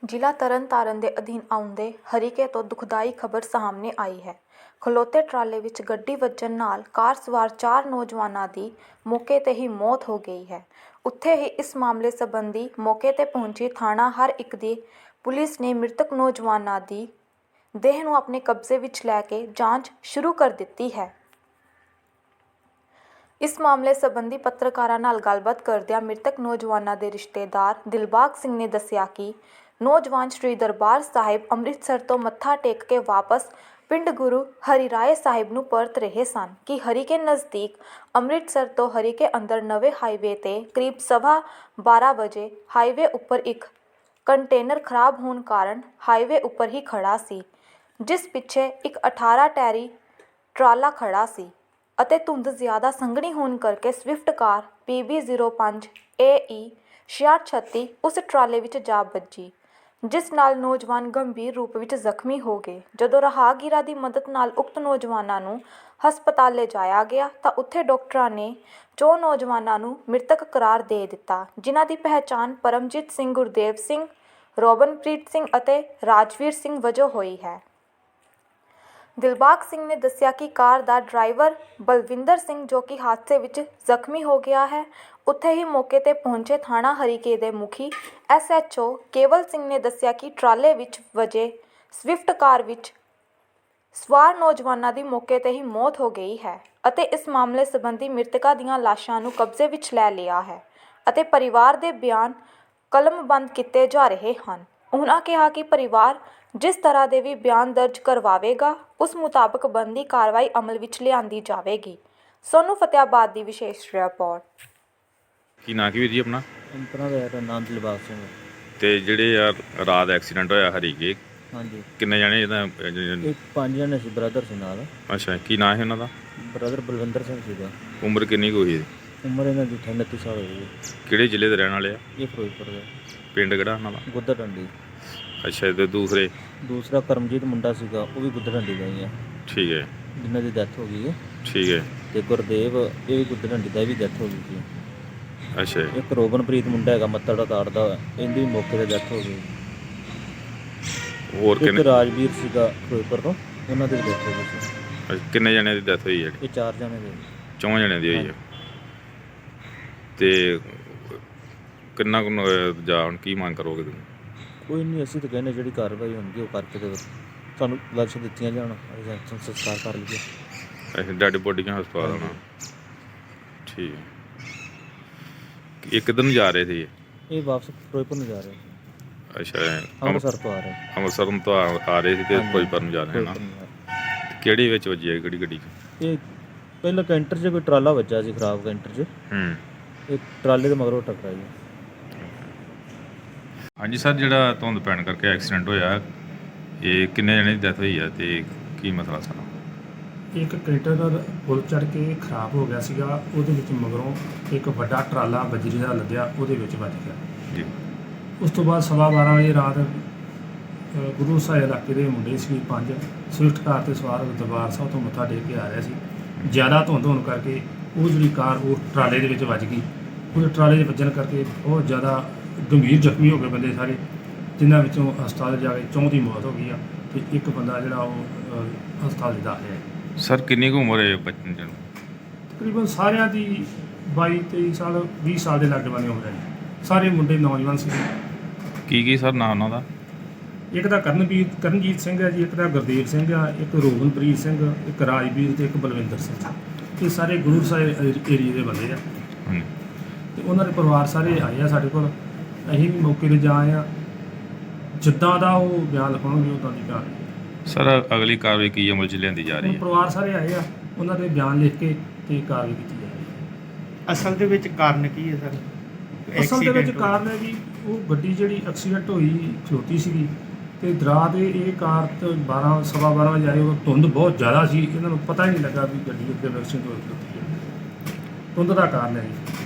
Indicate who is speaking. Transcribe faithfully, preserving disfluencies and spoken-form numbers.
Speaker 1: ਜ਼ਿਲ੍ਹਾ ਤਰਨਤਾਰਨ ਦੇ ਅਧੀਨ ਆਉਂਦੇ ਹਰੀਕੇ ਤੋਂ ਦੁਖਦਾਈ ਖਬਰ ਸਾਹਮਣੇ ਆਈ ਹੈ। ਖਲੋਤੇ ਟਰਾਲੇ ਵਿੱਚ ਗੱਡੀ ਵੱਜਣ ਨਾਲ ਕਾਰ ਸਵਾਰ ਚਾਰ ਨੌਜਵਾਨਾਂ ਦੀ ਮੌਕੇ 'ਤੇ ਹੀ ਮੌਤ ਹੋ ਗਈ ਹੈ। ਉੱਥੇ ਹੀ ਇਸ ਮਾਮਲੇ ਸੰਬੰਧੀ ਮੌਕੇ 'ਤੇ ਪਹੁੰਚੀ ਥਾਣਾ ਹਰ ਇੱਕ ਦੀ ਪੁਲਿਸ ਨੇ ਮ੍ਰਿਤਕ ਨੌਜਵਾਨਾਂ ਦੀ ਦੇਹ ਨੂੰ ਆਪਣੇ ਕਬਜ਼ੇ ਵਿੱਚ ਲੈ ਕੇ ਜਾਂਚ ਸ਼ੁਰੂ ਕਰ ਦਿੱਤੀ ਹੈ। ਇਸ ਮਾਮਲੇ ਸੰਬੰਧੀ ਪੱਤਰਕਾਰਾਂ ਨਾਲ ਗੱਲਬਾਤ ਕਰਦਿਆਂ ਮ੍ਰਿਤਕ ਨੌਜਵਾਨਾਂ ਦੇ ਰਿਸ਼ਤੇਦਾਰ ਦਿਲਬਾਗ ਸਿੰਘ ਨੇ ਦੱਸਿਆ ਕਿ ਨੌਜਵਾਨ ਸ਼੍ਰੀ ਦਰਬਾਰ ਸਾਹਿਬ ਅੰਮ੍ਰਿਤਸਰ ਤੋਂ ਮੱਥਾ ਟੇਕ ਕੇ ਵਾਪਸ ਪਿੰਡ ਗੁਰੂ ਹਰਿਰਾਏ ਸਾਹਿਬ ਨੂੰ ਪਰਤ ਰਹੇ ਸਨ ਕਿ ਹਰੀਕੇ ਨਜ਼ਦੀਕ ਅੰਮ੍ਰਿਤਸਰ ਤੋਂ ਹਰੀਕੇ ਅੰਦਰ ਨਵੇਂ ਹਾਈਵੇ 'ਤੇ ਕਰੀਬ ਸਵਾ ਬਾਰਾਂ ਵਜੇ ਹਾਈਵੇ ਉੱਪਰ ਇੱਕ ਕੰਟੇਨਰ ਖਰਾਬ ਹੋਣ ਕਾਰਨ ਹਾਈਵੇ ਉੱਪਰ ਹੀ ਖੜਾ ਸੀ, ਜਿਸ ਪਿੱਛੇ ਇੱਕ ਅਠਾਰਾਂ ਟੈਰੀ ਟਰਾਲਾ ਖੜਾ ਸੀ ਅਤੇ ਧੁੰਦ ਜ਼ਿਆਦਾ ਸੰਘਣੀ ਹੋਣ ਕਰਕੇ Swift car P B zero ਪੰਜ ਏ ਈ ਛਿਆਹਠ ਛੱਤੀ ਉਸ ਟਰਾਲੇ ਵਿੱਚ ਜਾ ਵੱਜੀ, ਜਿਸ ਨਾਲ ਨੌਜਵਾਨ ਗੰਭੀਰ ਰੂਪ ਵਿੱਚ ਜ਼ਖਮੀ ਹੋ ਗਏ। ਜਦੋਂ ਰਾਹਗੀਰਾਂ ਦੀ ਮਦਦ ਨਾਲ ਉਕਤ ਨੌਜਵਾਨਾਂ ਨੂੰ ਹਸਪਤਾਲ ਲਿਜਾਇਆ ਗਿਆ ਤਾਂ ਉੱਥੇ ਡਾਕਟਰਾਂ ਨੇ ਚੌਂ ਨੌਜਵਾਨਾਂ ਨੂੰ ਮ੍ਰਿਤਕ ਕਰਾਰ ਦੇ ਦਿੱਤਾ, ਜਿਨ੍ਹਾਂ ਦੀ ਪਹਿਚਾਣ ਪਰਮਜੀਤ ਸਿੰਘ, ਗੁਰਦੇਵ ਸਿੰਘ, ਰੋਬਨਪ੍ਰੀਤ ਸਿੰਘ ਅਤੇ ਰਾਜਵੀਰ ਸਿੰਘ ਵਜੋਂ ਹੋਈ ਹੈ। ਦਿਲਬਾਗ ਸਿੰਘ ਨੇ ਦੱਸਿਆ ਕਿ ਕਾਰ ਦਾ ਡਰਾਈਵਰ ਬਲਵਿੰਦਰ ਸਿੰਘ, ਜੋ ਕਿ ਹਾਦਸੇ ਵਿੱਚ ਜ਼ਖਮੀ ਹੋ ਗਿਆ ਹੈ, ਉੱਥੇ ਹੀ ਮੌਕੇ 'ਤੇ ਪਹੁੰਚੇ ਥਾਣਾ ਹਰੀਕੇ ਦੇ ਮੁਖੀ ਐਸ ਐਚ ਓ ਕੇਵਲ ਸਿੰਘ ਨੇ ਦੱਸਿਆ ਕਿ ਟਰਾਲੇ ਵਿੱਚ ਵਜੇ ਸਵਿਫਟ ਕਾਰ ਵਿੱਚ ਸਵਾਰ ਨੌਜਵਾਨਾਂ ਦੀ ਮੌਕੇ 'ਤੇ ਹੀ ਮੌਤ ਹੋ ਗਈ ਹੈ ਅਤੇ ਇਸ ਮਾਮਲੇ ਸੰਬੰਧੀ ਮ੍ਰਿਤਕਾਂ ਦੀਆਂ ਲਾਸ਼ਾਂ ਨੂੰ ਕਬਜ਼ੇ ਵਿੱਚ ਲੈ ਲਿਆ ਹੈ ਅਤੇ ਪਰਿਵਾਰ ਦੇ ਬਿਆਨ ਕਲਮਬੰਦ ਕੀਤੇ ਜਾ ਰਹੇ ਹਨ। ਉਹਨਾਂ ਕਿਹਾ ਕਿ ਪਰਿਵਾਰ ਜਿਸ ਤਰ੍ਹਾਂ ਦੇ ਵੀ ਬਿਆਨ ਦਰਜ ਕਰਵਾਵੇਗਾ, ਉਸ ਮੁਤਾਬਕ ਬਣਦੀ ਕਾਰਵਾਈ ਅਮਲ ਵਿੱਚ ਲਿਆਂਦੀ ਜਾਵੇਗੀ। ਸੋਨੂੰ ਫਤਿਆਬਾਦ ਦੀ ਵਿਸ਼ੇਸ਼ ਰਿਪੋਰਟ।
Speaker 2: ਕੀ ਨਾਂ ਕੀ ਵੀਰ ਜੀ ਆਪਣਾ?
Speaker 3: ਆਪਣਾ ਦਾ ਨਾਮ ਦਿਲਬਾਗ ਸਿੰਘ।
Speaker 2: ਤੇ ਜਿਹੜੇ ਯਾਰ ਰਾਤ ਐਕਸੀਡੈਂਟ ਹੋਇਆ ਹਰੀਕੇ,
Speaker 3: ਹਾਂਜੀ,
Speaker 2: ਕਿੰਨੇ ਜਣੇ ਇਹਦਾ?
Speaker 3: ਇਹ ਪੰਜ ਜਣੇ ਸੀ, ਬ੍ਰਦਰ ਸੀ ਨਾਲ।
Speaker 2: ਅੱਛਾ, ਕੀ ਨਾਂ ਹੈ ਉਹਨਾਂ ਦਾ?
Speaker 3: ਬ੍ਰਦਰ ਬਲਵਿੰਦਰ ਸਿੰਘ ਸੀਗਾ।
Speaker 2: ਉਮਰ ਕਿੰਨੀ ਕੁ ਹੋਈ?
Speaker 3: ਉਮਰ ਇਹਨਾਂ ਦੀ ਉਨੱਤੀ ਸਾਲ ਹੋਈ ਹੈ।
Speaker 2: ਕਿਹੜੇ ਜ਼ਿਲ੍ਹੇ ਦੇ ਰਹਿਣ ਵਾਲੇ ਆ?
Speaker 3: ਇਹ ਫਿਰੋਜ਼ਪੁਰ ਦਾ।
Speaker 2: ਪਿੰਡ ਕਿਹੜਾ ਉਹਨਾਂ ਦਾ?
Speaker 3: ਗੁੱਦਰ ਡੰਡੀ।
Speaker 2: ਅੱਛਾ, ਤੇ ਦੂਸਰੇ?
Speaker 3: ਦੂਸਰਾ ਕਰਮਜੀਤ ਮੁੰਡਾ ਸੀਗਾ, ਉਹ ਵੀ ਗੁੱਦਰ ਡੰਡੀ ਦਾ ਹੀ ਆ।
Speaker 2: ਠੀਕ ਹੈ,
Speaker 3: ਜਿਨ੍ਹਾਂ ਦੀ ਡੈਥ ਹੋ ਗਈ ਹੈ।
Speaker 2: ਠੀਕ ਹੈ।
Speaker 3: ਤੇ ਗੁਰਦੇਵ, ਇਹ ਵੀ ਗੁੱਦਰ ਡੰਡੀ ਦਾ, ਵੀ ਡੈਥ ਹੋ ਗਈ ਸੀ।
Speaker 2: ਅੱਛਾ,
Speaker 3: ਇੱਕ ਰੋਬਨਪ੍ਰੀਤ ਮੁੰਡਾ ਹੈਗਾ ਮੱਤੜ ਦਾ ਤਾੜਦਾ, ਇਹਦੀ ਵੀ ਮੌਕੇ 'ਤੇ ਡੈਥ ਹੋ ਗਈ।
Speaker 2: ਹੋਰ
Speaker 3: ਇੱਕ
Speaker 2: ਕਿੰਨੇ?
Speaker 3: ਰਾਜਵੀਰ ਸੀਗਾ ਫਿਰੋਜ਼ਪੁਰ ਤੋਂ, ਉਹਨਾਂ ਦੀ ਵੀ ਡੈਥ ਹੋ ਗਈ ਸੀ।
Speaker 2: ਅੱਛਾ, ਕਿੰਨੇ ਜਣਿਆਂ ਦੀ ਡੈਥ ਹੋਈ ਹੈ?
Speaker 3: ਇਹ ਚਾਰ ਜਣੇ ਦੇ।
Speaker 2: ਚੌਂ ਜਣਿਆਂ ਦੀ ਹੋਈ ਹੈ। ਤੇ ਕਿੰਨਾ ਕੁ ਜਾ ਹੁਣ ਕੀ ਮੰਗ ਕਰੋਗੇ ਤੁਸੀਂ?
Speaker 3: ਕੋਈ ਨਹੀਂ, ਅਸੀਂ ਤਾਂ ਕਹਿੰਦੇ ਜਿਹੜੀ ਕਾਰਵਾਈ ਹੁੰਦੀ ਉਹ ਕਰਕੇ ਤੇ ਸਾਨੂੰ ਲਾਸ਼ਾਂ ਦਿੱਤੀਆਂ ਜਾਣ, ਅਸੀਂ ਸੰਸਕਾਰ ਕਰ ਲਈਏ।
Speaker 2: ਅੱਛਾ, ਡੈਡ ਬੋਡੀਆਂ ਹਸਪਤਾਲ ਆਉਣਾ। ਠੀਕ ਹੈ। ਇਹ ਕਿੱਧਰ ਨੂੰ ਜਾ ਰਹੇ ਸੀ?
Speaker 3: ਇਹ ਵਾਪਸ ਫਿਰੋਜ਼ਪੁਰ ਨੂੰ ਜਾ ਰਹੇ ਸੀ।
Speaker 2: ਅੱਛਾ,
Speaker 3: ਅੰਮ੍ਰਿਤਸਰ ਤੋਂ ਆ ਰਹੇ।
Speaker 2: ਅੰਮ੍ਰਿਤਸਰ ਤੋਂ ਆ ਆ ਰਹੇ ਸੀ ਤੇ ਫਿਰੋਜ਼ਪੁਰ ਨੂੰ ਜਾ ਰਹੇ ਨਾ? ਕਿਹੜੀ ਵਿੱਚ ਵੱਜੀ ਹੈ, ਕਿਹੜੀ ਗੱਡੀ 'ਚ?
Speaker 3: ਇਹ ਪਹਿਲਾਂ ਕੈਂਟਰ 'ਚ ਕੋਈ ਟਰਾਲਾ ਵੱਜਾ ਸੀ, ਖਰਾਬ ਕੈਂਟਰ 'ਚ।
Speaker 2: ਹੂੰ।
Speaker 3: ਇਹ ਟਰਾਲੇ ਦੇ ਮਗਰੋਂ ਟਕਰਾਈ।
Speaker 2: ਹਾਂਜੀ ਸਰ, ਜਿਹੜਾ ਧੁੰਦ ਪੈਣ ਕਰਕੇ ਐਕਸੀਡੈਂਟ ਹੋਇਆ, ਇਹ ਕਿੰਨੇ ਜਣੇ ਦੀ ਡੈਥ ਹੋਈ ਹੈ ਤੇ ਕੀ ਮਸਲਾ ਸਾਰਾ?
Speaker 4: ਇੱਕ ਕੰਟੇਨਰ ਪੁਲ ਚੜ੍ਹ ਕੇ ਖਰਾਬ ਹੋ ਗਿਆ ਸੀਗਾ, ਉਹਦੇ ਵਿੱਚ ਮਗਰੋਂ ਇੱਕ ਵੱਡਾ ਟਰਾਲਾ ਬਜਰੀ ਦਾ ਲੱਦਿਆ, ਉਹਦੇ ਵਿੱਚ ਵੱਜ ਗਿਆ
Speaker 2: ਜੀ।
Speaker 4: ਉਸ ਤੋਂ ਬਾਅਦ ਸਵਾ ਬਾਰਾਂ ਵਜੇ ਰਾਤ ਗੁਰੂ ਸਾਹਿਬ ਇਲਾਕੇ ਦੇ ਮੁੰਡੇ ਸੀ ਪੰਜ, ਸਵਿਫਟ ਕਾਰ 'ਤੇ ਸਵਾਰ ਦਰਬਾਰ ਸਾਹਿਬ ਤੋਂ ਮੱਥਾ ਟੇਕ ਕੇ ਆ ਰਿਹਾ ਸੀ। ਜ਼ਿਆਦਾ ਧੁੰਦ ਹੋਣ ਕਰਕੇ ਉਹ ਜਿਹੜੀ ਕਾਰ ਉਹ ਟਰਾਲੇ ਦੇ ਵਿੱਚ ਵੱਜ ਗਈ। ਉਹ ਟਰਾਲੇ ਦੇ ਵੱਜਣ ਕਰਕੇ ਬਹੁਤ ਜ਼ਿਆਦਾ ਗੰਭੀਰ ਜ਼ਖਮੀ ਹੋ ਗਏ ਬੰਦੇ ਸਾਰੇ, ਜਿਨ੍ਹਾਂ ਵਿੱਚੋਂ ਹਸਪਤਾਲ ਜਾ ਕੇ ਚੌਂ ਦੀ ਮੌਤ ਹੋ ਗਈ ਆ ਅਤੇ ਇੱਕ ਬੰਦਾ ਜਿਹੜਾ ਉਹ ਹਸਪਤਾਲ 'ਚ ਦਾਖਲ ਹੈ।
Speaker 2: ਸਰ ਕਿੰਨੀ ਕੁ ਉਮਰ ਹੈ ਬੱਚੇ ਨੂੰ?
Speaker 4: ਤਕਰੀਬਨ ਸਾਰਿਆਂ ਦੀ ਬਾਈ ਤੇਈ ਸਾਲ ਵੀਹ ਸਾਲ ਦੇ ਲਾਗੇ ਬੰਨੇ ਹੋ ਰਹੇ, ਸਾਰੇ ਮੁੰਡੇ ਨੌਜਵਾਨ ਸੀ।
Speaker 2: ਕੀ ਕੀ ਸਰ ਨਾਂ ਉਹਨਾਂ ਦਾ?
Speaker 4: ਇੱਕ ਦਾ ਕਰਨਵੀਰ ਕਰਨਜੀਤ ਸਿੰਘ ਹੈ ਜੀ, ਇੱਕ ਦਾ ਗੁਰਦੇਵ ਸਿੰਘ ਆ, ਇੱਕ ਰੋਬਨਪ੍ਰੀਤ ਸਿੰਘ, ਇੱਕ ਰਾਜਵੀਰ ਅਤੇ ਇੱਕ ਬਲਵਿੰਦਰ ਸਿੰਘ। ਇਹ ਸਾਰੇ ਗੁਰੂ ਸਾਹਿਬ ਏਰੀਏ ਦੇ ਬੰਦੇ ਆ ਅਤੇ ਉਹਨਾਂ ਦੇ ਪਰਿਵਾਰ ਸਾਰੇ ਆਏ ਆ ਸਾਡੇ ਕੋਲ। ਅਸੀਂ ਵੀ ਮੌਕੇ 'ਤੇ ਜਾ ਆਏ ਹਾਂ, ਜਿੱਦਾਂ ਦਾ ਉਹ ਬਿਆਨ ਲਿਖਾਉਣਗੇ ਉੱਦਾਂ ਦੀ ਕਾਰਵਾਈ।
Speaker 2: ਸਰ ਅਗਲੀ ਕਾਰਵਾਈ ਕੀ ਅਮਲ 'ਚ ਲਿਆਂਦੀ ਜਾ ਰਹੀ ਹੈ?
Speaker 4: ਪਰਿਵਾਰ ਸਾਰੇ ਆਏ ਆ, ਉਹਨਾਂ ਦੇ ਬਿਆਨ ਲਿਖ ਕੇ ਅਤੇ ਕਾਰਵਾਈ ਕੀਤੀ ਜਾ ਰਹੀ ਹੈ।
Speaker 5: ਅਸਲ ਦੇ ਵਿੱਚ ਕਾਰਨ ਕੀ ਹੈ ਸਰ?
Speaker 4: ਅਸਲ ਦੇ ਵਿੱਚ ਕਾਰਨ ਹੈ ਜੀ, ਉਹ ਗੱਡੀ ਜਿਹੜੀ ਐਕਸੀਡੈਂਟ ਹੋਈ ਖਲੋਤੀ ਸੀਗੀ ਅਤੇ ਦਰਾ ਦੇ ਇਹ ਕਾਰ ਤੋਂ ਬਾਰਾਂ ਸਵਾ ਬਾਰਾਂ ਵਜੇ ਆਏ, ਉਹ ਧੁੰਦ ਬਹੁਤ ਜ਼ਿਆਦਾ ਸੀ, ਇਹਨਾਂ ਨੂੰ ਪਤਾ ਹੀ ਨਹੀਂ ਲੱਗਾ ਵੀ ਗੱਡੀ ਅੱਗੇ ਐਕਸੀਡੈਂਟ ਹੋਈ ਖਲੋਤੀ ਹੈ। ਧੁੰਦ ਦਾ ਕਾਰਨ ਹੈ ਜੀ।